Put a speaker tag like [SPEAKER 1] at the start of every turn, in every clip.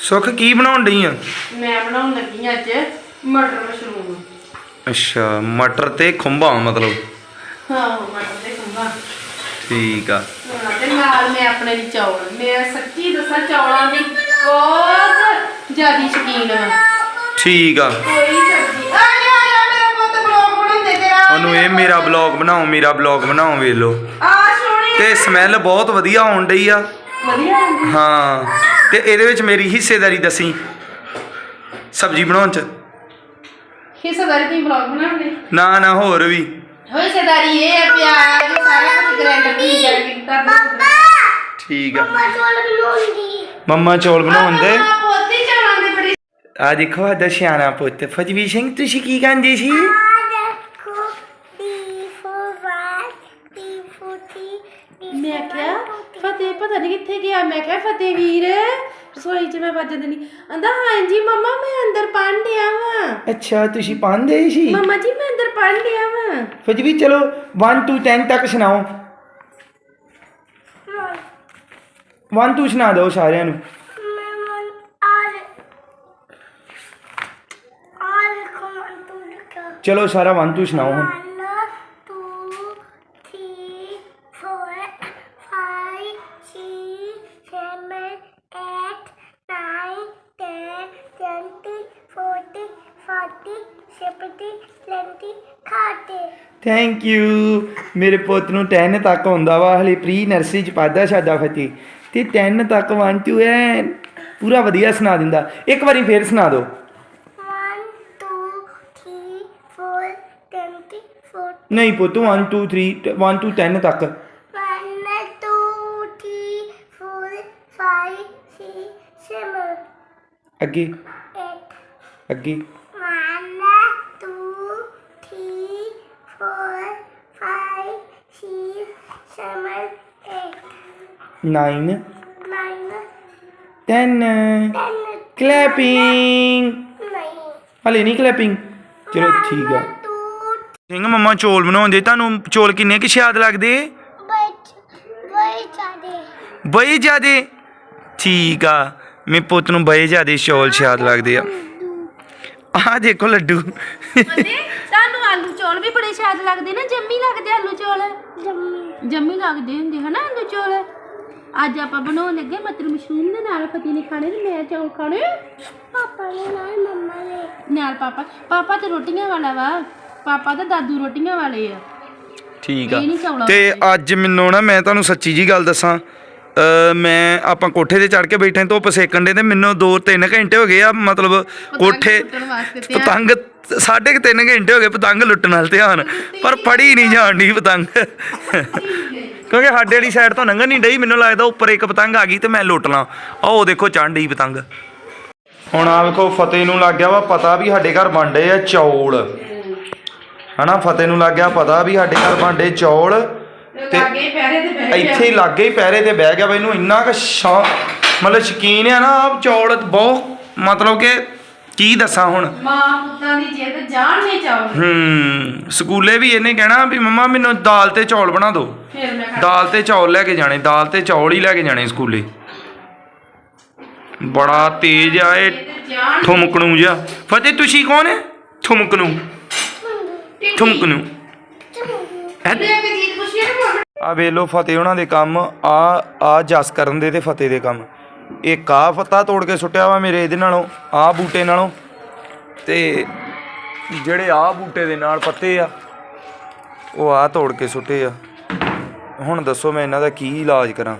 [SPEAKER 1] ਸੁੱਖ ਕੀ ਬਣਾਉਣ ਡਈ ਆ?
[SPEAKER 2] ਮੈਂ ਬਣਾਉਣ ਲੱਗੀ ਅੱਜ ਮਟਰ ਮਸ਼ਰੂਮ।
[SPEAKER 1] ਅੱਛਾ, ਮਟਰ ਤੇ ਖੁੰਭਾ ਮਤਲਬ।
[SPEAKER 2] ਹਾਂ, ਮਟਰ ਤੇ ਖੁੰਭਾ।
[SPEAKER 1] ਠੀਕ ਆ।
[SPEAKER 2] ਤੇ ਨਾਲ ਮੈਂ ਆਪਣੇ ਲਈ ਚੌਲ। ਮੈਂ ਸੱਚੀ ਦੱਸਾਂ ਚੌਲਾਂ ਦੀ ਬਹੁਤ ਜ਼ਿਆਦਾ ਸ਼ੌਕੀਨ ਹਾਂ।
[SPEAKER 1] ਠੀਕ ਆ।
[SPEAKER 2] ਕੋਈ ਸਬਜ਼ੀ ਆ ਜਾ ਮੇਰਾ ਪੁੱਤ ਬਲੌਗ ਬਣਾਉਂਦੇ ਤੇਰਾ।
[SPEAKER 1] ਉਹਨੂੰ ਇਹ ਮੇਰਾ ਬਲੌਗ ਬਣਾਓ, ਮੇਰਾ ਬਲੌਗ ਬਣਾਓ, ਵੇਖ ਲਓ।
[SPEAKER 2] ਆ ਸੋਹਣੀ
[SPEAKER 1] ਤੇ ਸਮੈਲ ਬਹੁਤ ਵਧੀਆ ਆਉਣ ਡਈ ਆ।
[SPEAKER 2] ਵਧੀਆ ਆਉਂਦੀ।
[SPEAKER 1] ਹਾਂ, ਤੇ ਇਹਦੇ ਵਿੱਚ ਮੇਰੀ ਹਿੱਸੇਦਾਰੀ ਦੱਸੀ ਸਬਜ਼ੀ ਬਣਾਉਣ ਚ।
[SPEAKER 2] ਹਿੱਸੇਦਾਰੀ ਤੁਸੀਂ ਬਲੌਗ ਬਣਾਉਂਦੇ?
[SPEAKER 1] ਨਾ ਹੋਰ ਵੀ
[SPEAKER 2] ਹਿੱਸੇਦਾਰੀ ਇਹ ਹੈ ਪਿਆਜ਼ ਸਾਰਾ ਕੁਝ ਗ੍ਰਾਈਂਡਰ ਦੀ ਗ੍ਰਾਈਂਡਿੰਗ ਕਰਨਾ।
[SPEAKER 1] ਠੀਕ ਆ। ਮੰਮਾ ਚੌਲ ਬਣਾਉਂਦੇ।
[SPEAKER 2] ਪੋਤੀ ਚੌਲਾਂ ਦੀ ਬੜੀ।
[SPEAKER 1] ਆ ਦੇਖੋ ਸਾਡਾ ਸਿਆਣਾ ਪੁੱਤ ਫਤਿਹਵੀਰ ਸਿੰਘ, ਤੁਸੀਂ ਕੀ ਕਹਿੰਦੇ ਸੀ?
[SPEAKER 2] ਮੈਂ ਕਿਹਾ ਫਤਿਹ ਪਤਾ ਨਹੀਂ ਕਿੱਥੇ ਗਿਆ। ਮੈਂ ਕਿਹਾ ਫਤਿਹ ਵੀਰ ਰਸੋਈ 'ਚ ਮੈਂ ਵੱਜਣ ਦੇਣੀ। ਕਹਿੰਦਾ ਹਾਂਜੀ ਮੰਮਾ ਮੈਂ ਅੰਦਰ ਪੜ੍ਹਨ ਡਿਆ ਵਾਂ।
[SPEAKER 1] ਅੱਛਾ, ਤੁਸੀਂ ਪੜ੍ਹਦੇ ਸੀ?
[SPEAKER 2] ਮੰਮਾ ਜੀ ਮੈਂ ਅੰਦਰ ਪੜ੍ਹਨ ਡਿਆ ਵਾਂ।
[SPEAKER 1] ਫਤਿਹਵੀਰ ਚਲੋ 1 to 10 ਤੱਕ ਸੁਣਾਓ। 1 2 ਸੁਣਾ ਦਿਓ ਸਾਰਿਆਂ ਨੂੰ। ਚਲੋ ਸਾਰਾ 1 2 ਸੁਣਾਓ ਹੁਣ।
[SPEAKER 3] 1 2 3 4 5 6 7 8 9 10 20 40 40 50 60 60।
[SPEAKER 1] Thank you. ਮੇਰੇ ਪੁੱਤ ਨੂੰ 10 ਤੱਕ ਹੁੰਦਾ ਵਾ, ਹਲੇ ਪ੍ਰੀ ਨਰਸਰੀ ਚ ਪੜ੍ਹਦਾ ਸਾਡਾ ਫਤਿਹ, ਤੇ 10 ਤੱਕ 1 2 ਪੂਰਾ ਵਧੀਆ ਸੁਣਾ ਦਿੰਦਾ। ਇੱਕ ਵਾਰੀ ਫੇਰ ਸੁਣਾ ਦਿਓ।
[SPEAKER 3] 1 2 3 4 20 40।
[SPEAKER 1] ਨਹੀਂ ਪੁੱਤ 1 2 3 1 to 10 ਤੱਕ।
[SPEAKER 3] 1 2 3 4 5 6 7
[SPEAKER 1] ਅੱਗੇ
[SPEAKER 3] 8
[SPEAKER 1] ਅੱਗੇ
[SPEAKER 3] 1 2 3 4 5 6 7 8
[SPEAKER 1] 9
[SPEAKER 3] 9
[SPEAKER 1] 10
[SPEAKER 3] 10
[SPEAKER 1] ਕਲੈਪਿੰਗ।
[SPEAKER 3] ਨਹੀਂ
[SPEAKER 1] ਹਲੇ ਨਹੀਂ ਕਲੈਪਿੰਗ। ਚਲੋ ਠੀਕ ਆ।
[SPEAKER 3] 2
[SPEAKER 1] ਸਿੰਘ ਮੰਮਾ ਚੌਲ ਬਣਾਉਂਦੇ, ਤੁਹਾਨੂੰ ਚੌਲ ਕਿੰਨੇ ਕੁ ਸਵਾਦ ਲੱਗਦੇ? ਬੜੇ ਜ਼ਿਆਦੇ। ਠੀਕ ਆ, ਮੇਰੇ ਪੁੱਤ ਨੂੰ ਬੜੇ ਜ਼ਿਆਦੇ ਚੌਲ ਸਵਾਦ ਲੱਗਦੇ ਆ। ਆਹ ਦੇਖੋ ਲੱਡੂ।
[SPEAKER 2] ਤੁਹਾਨੂੰ ਆਲੂ ਚੌਲ ਵੀ ਬੜੇ ਸਵਾਦ ਲੱਗਦੇ ਨਾ। ਜੰਮੀ ਲੱਗਦੇ ਆਲੂ ਚੌਲ। ਜੰਮੀ ਲੱਗਦੇ ਹੁੰਦੇ ਹਨਾ ਆਲੂ ਚੌਲ। ਅੱਜ ਆਪਾਂ ਬਣਾਉਣ ਲੱਗੇ ਮਟਰ ਮਸ਼ਰੂਮ ਦੇ ਨਾਲ। ਫਤਿਹ ਨੇ ਖਾਣੇ ਤੇ ਮੈਂ ਚੌਲ ਖਾਣੇ।
[SPEAKER 3] ਪਾਪਾ ਨੇ ਨਾਲ ਮੰਮਾ ਨੇ
[SPEAKER 2] ਨਾਲ ਪਾਪਾ ਤੇ ਰੋਟੀਆਂ ਵਾਲਾ ਵਾ। ਪਾਪਾ ਤੇ ਦਾਦੂ ਰੋਟੀਆਂ ਵਾਲੇ ਆ।
[SPEAKER 1] ਠੀਕ ਆ।
[SPEAKER 2] ਇਹ ਨਹੀਂ ਚੌਲਾਂ
[SPEAKER 1] ਤੇ ਅੱਜ ਮੈਨੂੰ ਨਾ, ਮੈਂ ਤੁਹਾਨੂੰ ਸੱਚੀ ਜੀ ਗੱਲ ਦੱਸਾਂ, ਮੈਂ ਆਪਾਂ ਕੋਠੇ ਤੇ ਚੜ ਕੇ ਬੈਠੇ ਧੁੱਪ ਸੇਕਣ ਦੇ, ਤੇ ਮੈਨੂੰ 2-3 ਘੰਟੇ ਹੋ ਗਏ ਆ। ਮਤਲਬ ਕੋਠੇ ਪਤੰਗ 3.5 ਘੰਟੇ ਹੋ ਗਏ ਪਤੰਗ ਲੁੱਟਣ ਨਾਲ ਧਿਆਨ, ਪਰ ਫੜੀ ਨਹੀਂ ਜਾਣ ਡਈ ਪਤੰਗ। ਕਿਉਂਕਿ ਸਾਡੇ ਵਾਲੀ ਸਾਈਡ ਤੋਂ ਲੰਘਣ ਨਹੀਂ ਡਈ। ਮੈਨੂੰ ਲੱਗਦਾ ਉੱਪਰ ਇੱਕ ਪਤੰਗ ਆ ਗਈ ਤੇ ਮੈਂ ਲੁੱਟ ਲਾਂ। ਉਹ ਦੇਖੋ ਚੜ੍ਹ ਡਈ ਪਤੰਗ। ਹੁਣ ਆ ਵੇਖੋ ਫਤਿਹ ਨੂੰ ਲੱਗ ਗਿਆ ਵਾ ਪਤਾ ਵੀ ਸਾਡੇ ਘਰ ਬਣ ਡੇ ਆ ਚੌਲ, ਹਨਾ। ਫਤਿਹ ਨੂੰ ਲੱਗ ਗਿਆ ਪਤਾ ਵੀ ਸਾਡੇ ਘਰ ਬਣ ਡੇ ਚੌਲ, ਤੇ ਇੱਥੇ ਹੀ ਲਾਗੇ ਹੀ ਪਹਿਰੇ ਤੇ ਬਹਿ ਗਿਆ। ਇਹਨੂੰ ਇੰਨਾ ਕੁ ਮਤਲਬ ਸ਼ੌਕੀਨ ਆ ਨਾ ਚੌਲ ਬਹੁਤ, ਮਤਲਬ ਕਿ ਕੀ ਦੱਸਾਂ ਹੁਣ।
[SPEAKER 2] ਮਾਂ ਪੁੱਤਾਂ ਦੀ ਜਿੱਦ ਜਾਣ ਨਹੀਂ ਚਾਹੁੰਦੀ।
[SPEAKER 1] ਸਕੂਲੇ ਵੀ ਇਹਨੇ ਕਹਿਣਾ ਵੀ ਮੰਮਾ ਮੈਨੂੰ ਦਾਲ ਤੇ ਚੌਲ ਬਣਾ ਦਿਓ।
[SPEAKER 2] ਫਿਰ ਮੈਂ
[SPEAKER 1] ਦਾਲ ਤੇ ਚੌਲ ਲੈ ਕੇ ਜਾਣੇ, ਦਾਲ ਤੇ ਚੌਲ ਹੀ ਲੈ ਕੇ ਜਾਣੇ ਸਕੂਲੇ। ਬੜਾ ਤੇਜ਼ ਆ ਇਹ ਠੁਮਕਣੂ ਜਿਹਾ। ਫਤਿਹ ਤੁਸੀਂ ਕੌਣ ਹੈ? ਠੁਮਕਣੂ ਠੁਮਕਣੂ। ਆ ਵੇਖ ਲਓ ਫਤਿਹ ਉਹਨਾਂ ਦੇ ਕੰਮ। ਆ ਜਸ ਕਰਨ ਦੇ ਤੇ ਫਤਿਹ ਦੇ ਕੰਮ। ਇੱਕ ਆ ਫੱਤਾ ਤੋੜ ਕੇ ਸੁੱਟਿਆ ਵਾ ਮੇਰੇ ਇਹਦੇ ਨਾਲੋਂ, ਆਹ ਬੂਟੇ ਨਾਲੋਂ, ਤੇ ਜਿਹੜੇ ਆਹ ਬੂਟੇ ਦੇ ਨਾਲ ਪੱਤੇ ਆ ਉਹ ਆਹ ਤੋੜ ਕੇ ਸੁੱਟੇ ਆ। ਹੁਣ ਦੱਸੋ ਮੈਂ ਇਹਨਾਂ ਦਾ ਕੀ ਇਲਾਜ ਕਰਾਂ।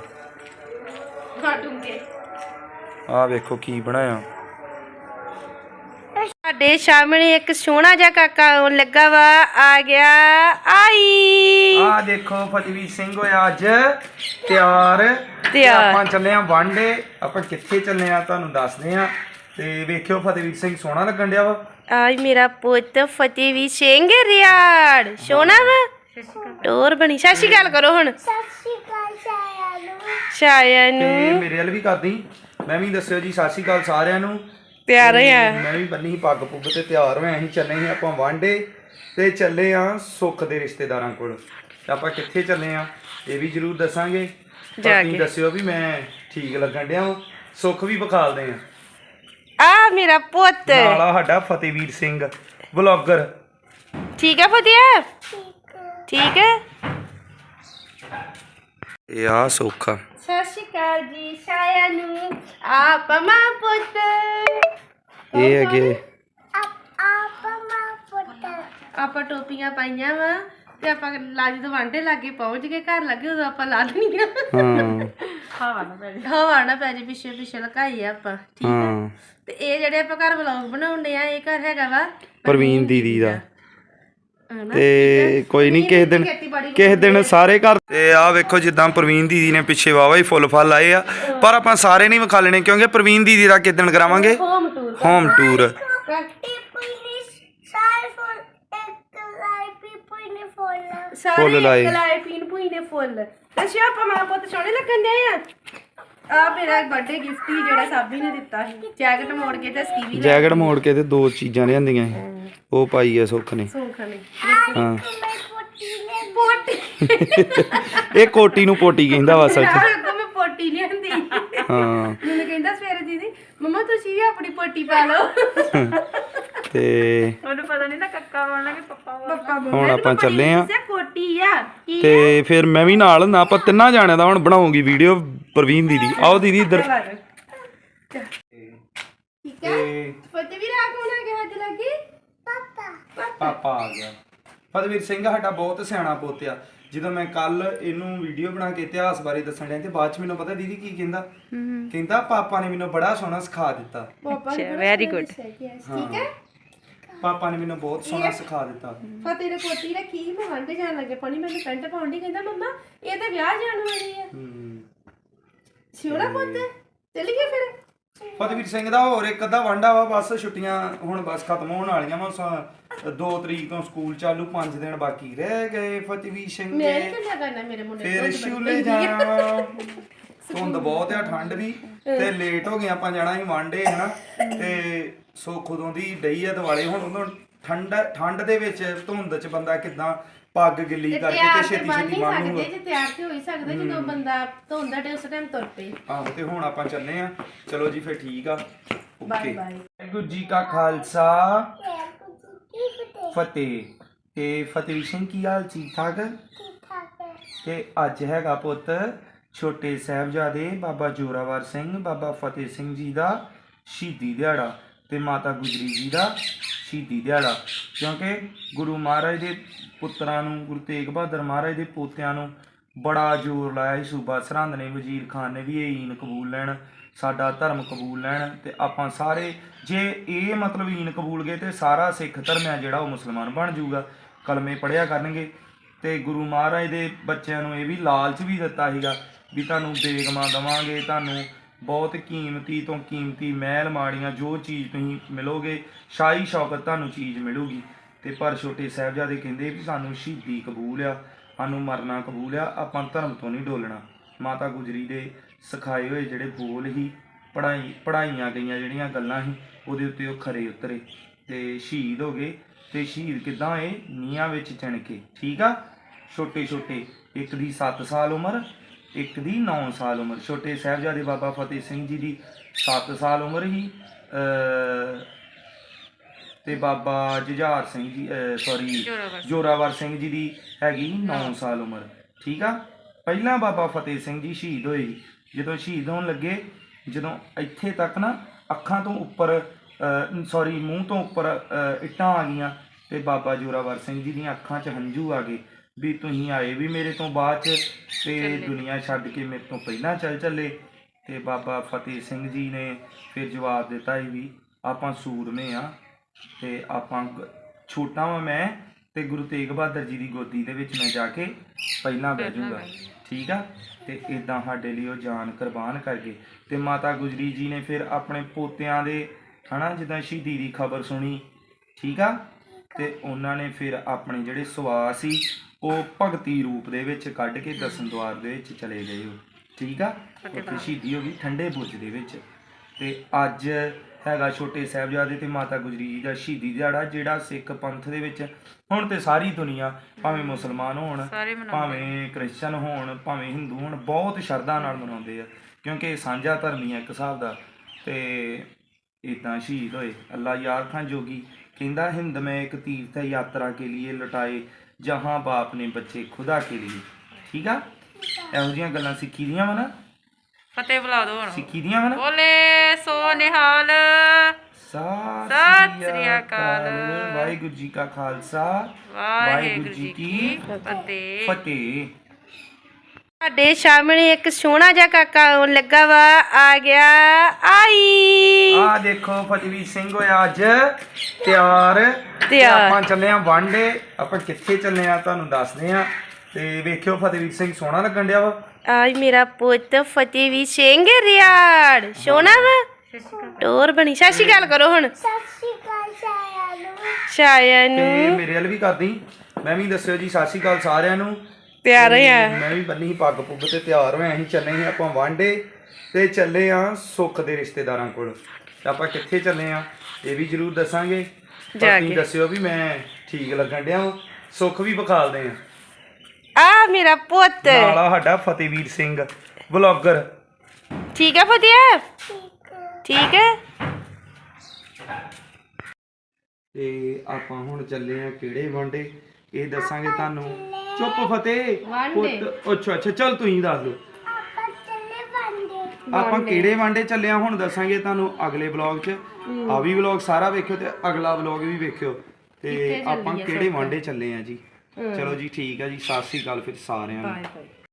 [SPEAKER 1] ਆਹ ਵੇਖੋ ਕੀ ਬਣਾਇਆ।
[SPEAKER 2] ਸਾਡੇ ਸਾਹਮਣੇ ਇੱਕ ਸੋਹਣਾ ਜਿਹਾ ਕਾਕਾ ਆਉਣ ਲੱਗਾ ਵਾ। ਆ ਗਿਆ ਆਈ।
[SPEAKER 1] ਆਹ ਦੇਖੋ ਫਤਿਹਵੀਰ ਸਿੰਘ ਹੋਇਆ ਅੱਜ ਤਿਆਰ। ਤੇ ਆਪਾਂ ਚੱਲੇ ਆ ਵਾਂਡੇ। ਆਪਾਂ ਕਿੱਥੇ ਚੱਲੇ ਆ ਤੁਹਾਨੂੰ ਦੱਸਦੇ ਆ। ਤੇ ਵੇਖਿਓ ਫਤਿਹਵੀਰ ਸਿੰਘ ਸੋਹਣਾ ਲੱਗਣ ਡਿਆ ਵਾ।
[SPEAKER 2] ਆਈ ਮੇਰਾ ਪੁੱਤ ਫਤਿਹਵੀਰ ਸਿੰਘ ਰਿਆੜ ਸੋਹਣਾ ਵਾ। ਟੋਰ ਬਣੀ। ਸਤਿ ਸ਼੍ਰੀ ਅਕਾਲ ਕਰੋ ਹੁਣ।
[SPEAKER 3] ਸਤਿ ਸ਼੍ਰੀ ਅਕਾਲ
[SPEAKER 2] ਸਾਰਿਆਂ ਨੂੰ।
[SPEAKER 1] ਤੇ ਮੇਰੇ ਵੱਲ ਵੀ ਕਰਦੀ। ਮੈਂ ਵੀ ਦੱਸਿਓ ਜੀ ਸਤਿ ਸ਼੍ਰੀ ਅਕਾਲ ਸਾਰਿਆਂ ਨੂੰ।
[SPEAKER 2] ਤਿਆਰ ਹੋਇਆ।
[SPEAKER 1] ਮੈਂ ਵੀ ਬੰਨੀ ਸੀ ਪੱਗ ਪੁੱਗ ਤੇ ਤਿਆਰ ਹੋਇਆ। ਅਸੀਂ ਚੱਲੇ ਸੀ ਆਪਾਂ ਵਾਂਡੇ ਤੇ ਚੱਲੇ ਆ ਸੁੱਖ ਦੇ ਰਿਸ਼ਤੇਦਾਰਾਂ ਕੋਲ। ਤੇ ਆਪਾਂ ਕਿੱਥੇ ਚੱਲੇ ਆ ਇਹ ਵੀ ਜ਼ਰੂਰ ਦੱਸਾਂਗੇ। ਤੁਸੀਂ ਦੱਸਿਓ ਵੀ ਮੈਂ ਠੀਕ ਲੱਗਣ ਡਿਆ। ਸੁੱਖ ਵੀ ਵਿਖਾਲਦੇ ਆ।
[SPEAKER 2] ਆ ਮੇਰਾ ਪੁੱਤ
[SPEAKER 1] ਨਾਲ ਆ ਸਾਡਾ ਫਤਿਹਵੀਰ ਸਿੰਘ ਵਲੌਗਰ।
[SPEAKER 2] ਠੀਕ ਹੈ ਫਤਿਹ? ਠੀਕ ਹੈ।
[SPEAKER 1] ਇਹ ਆ ਸੌਖਾ।
[SPEAKER 2] ਸਤਿ ਸ਼੍ਰੀ ਅਕਾਲ ਜੀ ਸਾਰਿਆਂ ਨੂੰ। ਆਪ ਮਾਂ ਪੁੱਤ
[SPEAKER 1] ਇਹ ਹੈਗੇ
[SPEAKER 3] ਆਪਾਂ ਮਾਂ ਪੁੱਤ
[SPEAKER 2] ਆਪਾਂ ਟੋਪੀਆਂ ਪਾਈਆਂ ਵਾ ਤੇ ਆਪਾਂ ਲਾਜ ਤੋਂ ਵਾਂਡੇ ਲਾਗੇ ਪਹੁੰਚ ਗਏ ਘਰ ਲੱਗੇ ਉਦੋਂ ਆਪਾਂ ਲਾ ਦੇਣੀਆਂ।
[SPEAKER 1] ਹਾਂ
[SPEAKER 2] ਹਵਾ ਨਾ ਪੈ ਜੇ ਪਿੱਛੇ ਪਿੱਛੇ ਲਕਾਈ ਆ ਆਪਾਂ ਠੀਕ ਹੈ। ਤੇ ਇਹ ਜਿਹੜੇ ਆਪਾਂ ਘਰ ਵਲੌਗ ਬਣਾਉਂਦੇ ਆ ਇਹ ਘਰ ਹੈਗਾ ਵਾ
[SPEAKER 1] ਪ੍ਰਵੀਨ ਦੀਦੀ ਦਾ।
[SPEAKER 2] ਹਨਾ?
[SPEAKER 1] ਤੇ ਕੋਈ ਨਹੀਂ ਕਿਸੇ ਦਿਨ ਸਾਰੇ ਘਰ। ਤੇ ਆ ਵੇਖੋ ਜਿੱਦਾਂ ਪ੍ਰਵੀਨ ਦੀਦੀ ਨੇ ਪਿੱਛੇ ਵਾਵਾ ਹੀ ਫੁੱਲ ਫਲ ਆਏ ਆ, ਪਰ ਆਪਾਂ ਸਾਰੇ ਨਹੀਂ ਵਿਖਾ ਲੈਣੇ ਕਿਉਂਕਿ ਪ੍ਰਵੀਨ ਦੀਦੀ ਦਾ ਕਿਸ ਦਿਨ ਕਰਾਵਾਂਗੇ
[SPEAKER 2] ਹੋਮ ਟੂਰ।
[SPEAKER 1] Home tour.
[SPEAKER 2] ਸਾਰੇ
[SPEAKER 1] ਲਾਏ।
[SPEAKER 2] ਲਾਏ ਪੀਣ ਪੂਈ ਨੇ ਫੁੱਲ। ਅੱਛਾ ਆਪਾਂ ਮਾਂ ਪੁੱਤ ਸੋਹਣੇ ਲੱਗਣ ਦੇ ਆ ਮੇਰਾ ਬਰਥਡੇ ਗਿਫਟ ਹੀ ਜਿਹੜਾ ਸਾਬੀ ਨੇ ਦਿੱਤਾ ਸੀ। ਜੈਕਟ ਮੋੜ ਕੇ ਤੇ ਸਕੀ ਵੀ
[SPEAKER 1] ਜੈਕਟ ਮੋੜ ਕੇ ਤੇ 2 ਚੀਜ਼ਾਂ ਲਿਆਂਦੀਆਂ ਸੀ, ਉਹ ਪਾਈ ਆ ਸੁੱਖ ਨੇ।
[SPEAKER 2] ਸੌਂਖ ਨੇ
[SPEAKER 1] ਹਾਂ
[SPEAKER 2] ਪੋਟੀ
[SPEAKER 1] ਇਹ ਕੋਟੀ ਨੂੰ ਪੋਟੀ ਕਹਿੰਦਾ ਵਾ ਸੱਚ।
[SPEAKER 2] ਮੈਂ ਪੋਟੀ ਲਿਆਂਦੀ।
[SPEAKER 1] ਹਾਂ
[SPEAKER 2] ਮੈਨੂੰ ਕਹਿੰਦਾ ਸਵੇਰੇ ਦੀਦੀ ਮੰਮਾ ਤੁਸੀਂ ਵੀ ਆਪਣੀ ਪੋਟੀ ਪਾ ਲਓ।
[SPEAKER 1] ਤੇ
[SPEAKER 2] ਉਹਨੂੰ ਪਤਾ ਨਹੀਂ ਨਾ ਕੱਕਾ ਬੋਲਣਾ ਕਿ ਪੱਪਾ
[SPEAKER 1] ਹੁਣ ਆਪਾਂ ਚੱਲੇ ਆ
[SPEAKER 2] ਕੋਟੀ ਆ ਕੀ
[SPEAKER 1] ਤੇ ਫਿਰ ਮੈਂ ਵੀ ਨਾਲ ਨਾ ਆਪਾਂ ਤਿੰਨਾਂ ਜਾਣਿਆਂ ਦਾ ਹੁਣ ਬਣਾਉਂਗੀ ਵੀਡੀਓ ਪ੍ਰਵੀਨ ਦੀਦੀ। ਆਓ ਦੀਦੀ ਇੱਧਰ।
[SPEAKER 2] ਠੀਕ ਹੈ ਫਤਿਹ ਵੀ ਰਾਤ ਹੋਣਾ ਕਿ ਹੱਜ ਲੱਗੀ
[SPEAKER 1] ਪਾਪਾ ਆ ਗਿਆ। ਫਤਿਹਵੀਰ ਸਿੰਘ ਸਾਡਾ ਬਹੁਤ ਸਿਆਣਾ ਪੁੱਤ ਆ। ਜਦੋਂ ਮੈਂ ਕੱਲ ਇਹਨੂੰ ਵੀਡੀਓ ਬਣਾ ਕੇ ਇਤਿਹਾਸ ਬਾਰੇ ਦੱਸਣ ਡਿਆ ਤੇ ਬਾਅਦ ਚ ਮੈਨੂੰ ਪਤਾ ਦੀਦੀ ਕੀ ਕਹਿੰਦਾ, ਕਹਿੰਦਾ ਪਾਪਾ ਨੇ ਮੈਨੂੰ ਬੜਾ ਸੋਹਣਾ ਸਿਖਾ ਦਿੱਤਾ।
[SPEAKER 2] ਅੱਛਾ ਵੈਰੀ ਗੁੱਡ ਠੀਕ ਹੈ।
[SPEAKER 1] ਪਾਪਾ ਨੇ ਮੈਨੂੰ ਬਹੁਤ ਸੋਹਣਾ ਸਿਖਾ ਦਿੱਤਾ।
[SPEAKER 2] ਫਤਿਹ ਨੇ ਕੋਟੀ ਰੱਖੀ ਮੈਂ ਵਾਂਡੇ ਜਾਣ ਲੱਗੇ ਪਾਣੀ ਮੈਨੂੰ ਪੈਂਟ ਪਾਉਣ ਦੀ ਕਹਿੰਦਾ ਮੰਮਾ ਇਹ ਤਾਂ ਵਿਆਹ ਜਾਣ ਵਾਲੀ ਆ। ਸਿਉਣਾ ਪੁੱਤ ਚੱਲ ਗਿਆ ਫਿਰ।
[SPEAKER 1] ਫਤਿਹਵੀਰ ਸਿੰਘ ਦਾ ਹੋਰ ਇੱਕ ਅੱਧਾ ਵਾਂਡਾ ਵਾ, ਬਸ ਛੁੱਟੀਆਂ ਹੁਣ ਬਸ ਖਤਮ ਹੋਣ ਵਾਲੀਆਂ ਵਾ। 2 ਤਰੀਕ ਤੋਂ ਸਕੂਲ ਚਾਲੂ, 5 ਦਿਨ ਬਾਕੀ ਰਹਿ ਗਏ। ਫਤਿਹਵੀਰ ਸਿੰਘ
[SPEAKER 2] ਮੈਂ ਨਹੀਂ ਚੱਲਿਆ ਕਰਨਾ ਮੇਰੇ ਮੁੰਡੇ
[SPEAKER 1] ਫਿਰ ਸ਼ੂਲੇ ਜਾਣਾ। ਧੁੰਦ ਬਹੁਤ ਆ, ਠੰਡ ਵੀ ਤੇ ਲੇਟ ਹੋ ਗਏ ਆਪਾਂ ਜਾਣਾ ਸੀ ਵਾਂਡੇ ਹਨਾ। ਤੇ ਸੋ ਖੁਦੋਂ ਦੀ ਡਈ ਆ ਦਿਵਾਲੇ। ਹੁਣ ਉਦੋਂ ਠੰਡ ਦੇ ਵਿੱਚ ਧੁੰਦ ਚ ਬੰਦਾ ਕਿਦਾਂ ਪੱਗ ਗਿੱਲੀ ਕਰਕੇ ਤੇ ਛੇਤੀ ਛੇਤੀ ਬੰਨ੍ਹੂਗਾ।
[SPEAKER 2] ਜੇ ਤਿਆਰ ਤੇ ਹੋ ਹੀ ਸਕਦਾ ਜਦੋਂ ਬੰਦਾ ਧੁੰਦਾ ਤੇ ਉਸ ਟਾਈਮ ਤੁਰ ਪਏ।
[SPEAKER 1] ਆਹੋ ਤੇ ਹੁਣ ਆਪਾਂ ਚੱਲੇ ਆ। ਚਲੋ ਜੀ ਫਿਰ ਠੀਕ ਆ।
[SPEAKER 2] Bye bye.
[SPEAKER 1] ਵਾਹਿਗੁਰੂ ਜੀ ਕਾ ਖਾਲਸਾ ਫਤਿਹ। ਤੇ ਫਤਿਹਵੀਰ ਸਿੰਘ ਕੀ ਹਾਲ? ਠੀਕ ਠਾਕ। ਤੇ ਅੱਜ ਹੈਗਾ ਪੁੱਤ ਛੋਟੇ ਸਾਹਿਬਜ਼ਾਦੇ ਬਾਬਾ ਜੋਰਾਵਰ ਸਿੰਘ ਬਾਬਾ ਫਤਿਹ ਸਿੰਘ ਜੀ ਦਾ ਸ਼ਹੀਦੀ ਦਿਹਾੜਾ ਤੇ ਮਾਤਾ ਗੁਜਰੀ ਜੀ ਦਾ ਸ਼ਹੀਦੀ ਦਿਹਾੜਾ। ਕਿਉਂਕਿ ਗੁਰੂ ਮਹਾਰਾਜ ਦੇ ਪੁੱਤਰਾਂ ਨੂੰ, ਗੁਰੂ ਤੇਗ ਬਹਾਦਰ ਮਹਾਰਾਜ ਦੇ ਪੋਤਿਆਂ ਨੂੰ ਬੜਾ ਜ਼ੋਰ ਲਾਇਆ ਸੀ। ਸੂਬਾ ਸਰਹੰਦ ਨੇ, ਵਜ਼ੀਰ ਖਾਨ ਨੇ ਵੀ ਇਹ ਈਨ ਕਬੂਲ ਲੈਣ, ਸਾਡਾ ਧਰਮ ਕਬੂਲ ਲੈਣ। ਤੇ ਆਪਾਂ ਸਾਰੇ ਜੇ ਇਹ ਮਤਲਬ ਈਨ ਕਬੂਲ ਗਏ ਤੇ ਸਾਰਾ ਸਿੱਖ ਧਰਮ ਆ ਜਿਹੜਾ ਉਹ ਮੁਸਲਮਾਨ ਬਣ ਜਾਊਗਾ, ਕਲਮੇ ਪੜ੍ਹਿਆ ਕਰਨਗੇ। ਤੇ ਗੁਰੂ ਮਹਾਰਾਜ ਦੇ ਬੱਚਿਆਂ ਨੂੰ ਇਹ ਵੀ ਲਾਲਚ ਵੀ ਦਿੱਤਾ ਸੀਗਾ ਵੀ ਤੁਹਾਨੂੰ ਬੇਗਮਾਂ ਦੇਵਾਂਗੇ, ਤੁਹਾਨੂੰ ਬਹੁਤ ਕੀਮਤੀ ਤੋਂ ਕੀਮਤੀ ਮਹਿਲ ਮਾੜੀਆਂ ਜੋ ਚੀਜ਼ ਤੁਸੀਂ ਮਿਲੋਗੇ, ਸ਼ਾਹੀ ਸ਼ੌਕਤ ਤੁਹਾਨੂੰ ਚੀਜ਼ ਮਿਲੂਗੀ। ਤੇ ਪਰ ਛੋਟੇ ਸਾਹਿਬਜ਼ਾਦੇ ਕਹਿੰਦੇ ਵੀ ਸਾਨੂੰ ਸ਼ਹੀਦੀ ਕਬੂਲ ਆ, ਸਾਨੂੰ ਮਰਨਾ ਕਬੂਲ ਆ, ਆਪਾਂ ਧਰਮ ਤੋਂ ਨਹੀਂ ਡੋਲਣਾ। ਮਾਤਾ ਗੁਜਰੀ ਦੇ ਸਿਖਾਏ ਹੋਏ ਜਿਹੜੇ ਬੋਲ ਹੀ ਪੜ੍ਹਾਈਆਂ ਗਈਆਂ ਜਿਹੜੀਆਂ ਗੱਲਾਂ ਸੀ ਉਹਦੇ ਉੱਤੇ ਉਹ ਖਰੇ ਉਤਰੇ ਤੇ ਸ਼ਹੀਦ ਹੋ ਗਏ। ਤੇ ਸ਼ਹੀਦ ਕਿੱਦਾਂ ਹੋਏ? ਨੀਹਾਂ ਵਿੱਚ ਚਿਣ ਕੇ। ਠੀਕ ਆ। ਛੋਟੇ ਛੋਟੇ, ਇੱਕ ਦੀ 7 ਸਾਲ ਉਮਰ, ਇੱਕ ਦੀ 9 ਸਾਲ ਉਮਰ। ਛੋਟੇ ਸਾਹਿਬਜ਼ਾਦੇ ਬਾਬਾ ਫਤਿਹ ਸਿੰਘ ਜੀ ਦੀ 7 ਸਾਲ ਉਮਰ ਹੀ ਤੇ ਬਾਬਾ ਜੁਝਾਰ ਸਿੰਘ ਜੀ ਜੋਰਾਵਰ ਸਿੰਘ ਜੀ ਦੀ ਹੈਗੀ 9 ਸਾਲ ਉਮਰ। ਠੀਕ ਆ। ਪਹਿਲਾਂ ਬਾਬਾ ਫਤਿਹ ਸਿੰਘ ਜੀ ਸ਼ਹੀਦ ਹੋਏ। ਜਦੋਂ ਸ਼ਹੀਦ ਹੋਣ ਲੱਗੇ, ਜਦੋਂ ਇੱਥੇ ਤੱਕ ਨਾ ਅੱਖਾਂ ਤੋਂ ਉੱਪਰ ਮੂੰਹ ਤੋਂ ਉੱਪਰ ਇੱਟਾਂ ਆ ਗਈਆਂ ਤੇ ਬਾਬਾ ਜੋਰਾਵਰ ਸਿੰਘ ਜੀ ਦੀਆਂ ਅੱਖਾਂ 'ਚ ਹੰਝੂ ਆ ਗਏ ਵੀ ਤੁਸੀਂ ਆਏ ਵੀ ਮੇਰੇ ਤੋਂ ਬਾਅਦ 'ਚ ਤੇ ਦੁਨੀਆ ਛੱਡ ਕੇ ਮੇਰੇ ਤੋਂ ਪਹਿਲਾਂ ਚੱਲੇ। ਤੇ ਬਾਬਾ ਫਤਿਹ ਸਿੰਘ ਜੀ ਨੇ ਫਿਰ ਜਵਾਬ ਦਿੱਤਾ ਵੀ ਆਪਾਂ ਸੂਰਮੇ ਆ ਤੇ ਆਪਾਂ ਛੋਟਾ ਵਾਂ ਮੈਂ ਤੇ ਗੁਰੂ ਤੇਗ ਬਹਾਦਰ ਜੀ ਦੀ ਗੋਦੀ ਦੇ ਵਿੱਚ ਮੈਂ ਜਾ ਕੇ ਪਹਿਲਾਂ ਬਹਿ ਜਾਊਂਗਾ। ਠੀਕ ਆ। ਤੇ ਇਦਾਂ ਸਾਡੇ ਲਈ ਉਹ ਜਾਨ ਕੁਰਬਾਨ ਕਰ ਗਏ। ਤੇ ਮਾਤਾ ਗੁਜਰੀ ਜੀ ਨੇ ਫਿਰ ਆਪਣੇ ਪੋਤਿਆਂ ਦੇ ਹਨਾ ਜਿੱਦਾਂ ਸ਼ਹੀਦੀ ਦੀ ਖਬਰ ਸੁਣੀ। ਠੀਕ ਆ। ਤੇ ਉਹਨਾਂ ਨੇ ਫਿਰ ਆਪਣੇ ਜਿਹੜੇ ਸਵਾਸ ਸੀ ਉਹ ਭਗਤੀ ਰੂਪ ਦੇ ਵਿੱਚ ਕੱਢ ਕੇ ਦਸਮ ਦੁਆਰ ਦੇ ਵਿੱਚ ਚਲੇ ਗਏ ਉਹ। ਠੀਕ ਆ। ਉੱਥੇ ਸ਼ਹੀਦੀ ਹੋ ਗਈ ਠੰਡੇ ਬੁਰਜ ਦੇ ਵਿੱਚ। ਤੇ ਅੱਜ ਹੈਗਾ ਛੋਟੇ ਸਾਹਿਬਜ਼ਾਦੇ ਤੇ ਮਾਤਾ ਗੁਜਰੀ ਜੀ ਦਾ ਸ਼ਹੀਦੀ ਦਿਹਾੜਾ, ਜਿਹੜਾ ਸਿੱਖ ਪੰਥ ਦੇ ਵਿੱਚ ਹੁਣ ਤੇ ਸਾਰੀ ਦੁਨੀਆ ਭਾਵੇਂ ਮੁਸਲਮਾਨ ਹੋਣ, ਭਾਵੇਂ ਕ੍ਰਿਸਚਨ ਹੋਣ, ਭਾਵੇਂ ਹਿੰਦੂ ਹੋਣ, ਬਹੁਤ ਸ਼ਰਧਾ ਨਾਲ ਮਨਾਉਂਦੇ ਆ ਕਿਉਂਕਿ ਇਹ ਸਾਂਝਾ ਧਰਮ ਹੀ ਆ ਇੱਕ ਹਿਸਾਬ ਦਾ। ਤੇ इतना शहीद होए। अल्लाह यार खान जोगी कहता हिंद में एक तीर्थ यात्रा के लिए लुटाए जहाँ बाप ने बच्चे खुदा के लिए। ठीक है, ਇਹੋ ਜਿਹੀਆਂ ਗੱਲਾਂ ਸਿੱਖੀ ਦੀਆਂ ਵਾ ਨਾ,
[SPEAKER 4] ਫਤਿਹ ਬੁਲਾ ਦੋ ਹੁਣ।
[SPEAKER 1] ਸਿੱਖੀ ਦੀਆਂ ਵਾ ਨਾ।
[SPEAKER 4] ਬੋਲੇ ਸੋ ਨਿਹਾਲ।
[SPEAKER 1] ਸਤਿ ਸ੍ਰੀ ਅਕਾਲ। ਵਾਹਿਗੁਰੂ ਜੀ ਕਾ ਖਾਲਸਾ,
[SPEAKER 4] ਵਾਹਿਗੁਰੂ ਜੀ ਕੀ ਫਤਿਹ।
[SPEAKER 1] ਫਤਿਹ।
[SPEAKER 2] ਸਾਡੇ ਸਾਹਮਣੇ ਇੱਕ ਸੋਹਣਾ ਜਿਹਾ ਕਾਕਾ ਆਉਣ ਲੱਗਾ ਵਾ, ਆ ਗਿਆ ਆਈ।
[SPEAKER 1] ਆ ਦੇਖੋ ਫਤਿਹਵੀਰ ਸਿੰਘ ਹੋਇਆ ਅੱਜ ਤਿਆਰ ਤੇ ਆਪਾਂ ਚੱਲੇ ਆ ਵਾਂਡੇ। ਆਪਾਂ ਕਿੱਥੇ ਚੱਲੇ ਆ ਤੁਹਾਨੂੰ ਦੱਸਦੇ ਆ, ਤੇ ਵੇਖਿਓ ਫਤਿਹਵੀਰ ਸਿੰਘ ਸੋਹਣਾ ਲੱਗਣ ਡਿਆ ਵਾ।
[SPEAKER 2] ਆਜ ਮੇਰਾ ਪੁੱਤ ਫਤਿਹਵੀਰ ਸਿੰਘ ਰਿਆੜ ਸੋਹਣਾ ਵਾ, ਟੋਰ ਬਣੀ। ਸਤਿ ਸ਼੍ਰੀ ਅਕਾਲ ਕਰੋ ਹੁਣ
[SPEAKER 3] ਸਤਿ ਸ਼੍ਰੀ ਅਕਾਲ
[SPEAKER 2] ਛਾਇਆ
[SPEAKER 1] ਤੇ
[SPEAKER 2] ਨੂੰ।
[SPEAKER 1] ਮੇਰੇ ਵੱਲ ਵੀ ਕਰਦੀ, ਮੈਂ ਵੀ ਦੱਸਿਓ ਜੀ ਸਤਿ ਸ਼੍ਰੀ ਅਕਾਲ ਸਾਰਿਆਂ ਨੂੰ।
[SPEAKER 2] ਤਿਆਰ ਹੋਇਆ
[SPEAKER 1] ਮੈਂ ਵੀ ਬੰਨੀ ਸੀ ਪੱਗ ਪੁੱਗ ਤੇ ਤਿਆਰ ਹੋਇਆ। ਅਸੀਂ ਚੱਲੇ ਸੀ ਆਪਾਂ ਵਾਂਡੇ ਤੇ ਚੱਲੇ ਆ ਸੁੱਖ ਦੇ ਰਿਸ਼ਤੇਦਾਰਾਂ ਕੋਲ। ਤੇ ਆਪਾਂ ਕਿੱਥੇ ਚੱਲੇ ਆ ਇਹ ਵੀ ਜ਼ਰੂਰ ਦੱਸਾਂਗੇ।
[SPEAKER 2] ਜਾ
[SPEAKER 1] ਤੁਸੀਂ
[SPEAKER 2] ਕੇ
[SPEAKER 1] ਦੱਸਿਓ ਵੀ ਮੈਂ ਠੀਕ ਲੱਗਣ ਡਿਆ ਵਾਂ। ਸੁੱਖ ਵੀ ਵਿਖਾਲਦੇ ਆ।
[SPEAKER 2] ਆ ਮੇਰਾ ਪੁੱਤ
[SPEAKER 1] ਨਾਲ ਆ ਸਾਡਾ ਫਤਿਹਵੀਰ ਸਿੰਘ ਵਲੌਗਰ।
[SPEAKER 2] ਠੀਕ ਹੈ ਫਤਿਹ, ਠੀਕ ਹੈ।
[SPEAKER 1] ਤੇ ਆਪਾਂ ਹੁਣ ਚੱਲੇ ਆ ਕਿਹੜੇ ਵਾਂਡੇ ਇਹ ਦੱਸਾਂਗੇ ਤੁਹਾਨੂੰ। ਚੁੱਪ ਫਤਿਹ ਪੁੱਤ। ਅੱਛਾ ਚੱਲ ਤੁਸੀਂ ਦੱਸ ਦਿਓ
[SPEAKER 3] ਆਪਾਂ ਚੱਲੇ ਵੰਡੇ।
[SPEAKER 1] ਆਪਾਂ ਕਿਹੜੇ ਵਾਂਡੇ ਚੱਲੇ ਆ ਹੁਣ ਦੱਸਾਂਗੇ ਤੁਹਾਨੂੰ ਅਗਲੇ ਵਲੌਗ 'ਚ। ਆ ਵੀ ਵਲੌਗ ਸਾਰਾ ਵੇਖਿਓ ਤੇ ਅਗਲਾ ਵਲੌਗ ਵੀ ਵੇਖਿਓ ਤੇ ਆਪਾਂ ਕਿਹੜੇ ਵਾਂਡੇ ਚੱਲੇ ਆ ਜੀ। ਚਲੋ ਜੀ ਠੀਕ ਆ ਜੀ, ਸਤਿ ਸ੍ਰੀ ਅਕਾਲ ਫਿਰ ਸਾਰਿਆਂ ਨੂੰ।